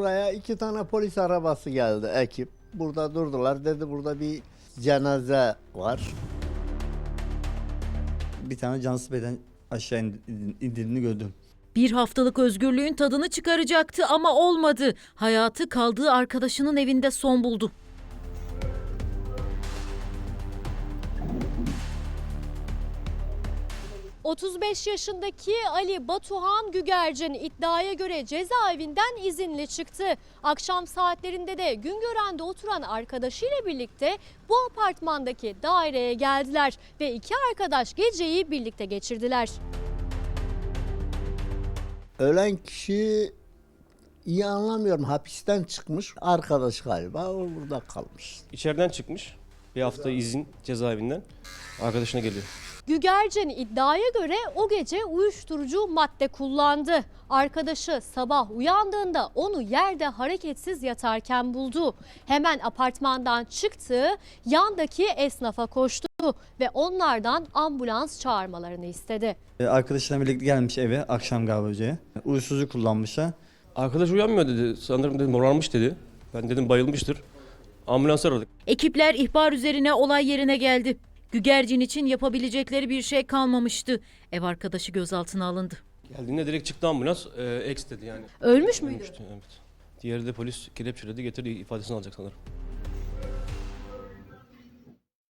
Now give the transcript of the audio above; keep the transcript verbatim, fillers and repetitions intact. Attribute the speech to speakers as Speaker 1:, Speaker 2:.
Speaker 1: buraya iki tane polis arabası geldi, ekip. Burada durdular, dedi burada bir cenaze var.
Speaker 2: Bir tane cansız beden aşağı indiğini gördüm.
Speaker 3: Bir haftalık özgürlüğün tadını çıkaracaktı ama olmadı. Hayatı kaldığı arkadaşının evinde son buldu.
Speaker 4: otuz beş yaşındaki Ali Batuhan Gügercin iddiaya göre cezaevinden izinli çıktı. Akşam saatlerinde de Güngören'de oturan arkadaşıyla birlikte bu apartmandaki daireye geldiler ve iki arkadaş geceyi birlikte geçirdiler.
Speaker 1: Ölen kişi iyi anlamıyorum, hapisten çıkmış, arkadaş galiba, o burada kalmış.
Speaker 5: İçeriden çıkmış. Bir hafta izin cezaevinden. Arkadaşına geliyor.
Speaker 4: Gügercin iddiaya göre o gece uyuşturucu madde kullandı. Arkadaşı sabah uyandığında onu yerde hareketsiz yatarken buldu. Hemen apartmandan çıktı, yandaki esnafa koştu ve onlardan ambulans çağırmalarını istedi.
Speaker 2: Arkadaşlarla birlikte gelmiş eve akşam galiba hocaya. Uyuşturucu kullanmışlar.
Speaker 5: Arkadaş uyanmıyor dedi. Sanırım dedi morarmış dedi. Ben dedim bayılmıştır. Ambulans aradık.
Speaker 3: Ekipler ihbar üzerine olay yerine geldi. Gügercin için yapabilecekleri bir şey kalmamıştı. Ev arkadaşı gözaltına alındı.
Speaker 5: Geldiğinde direkt çıktı ambulans. E, ex dedi yani.
Speaker 4: Ölmüş müydü?
Speaker 5: Ölmüştü, evet. Diğeri de polis kelepçeledi, getirdi ifadesini alacak sanırım.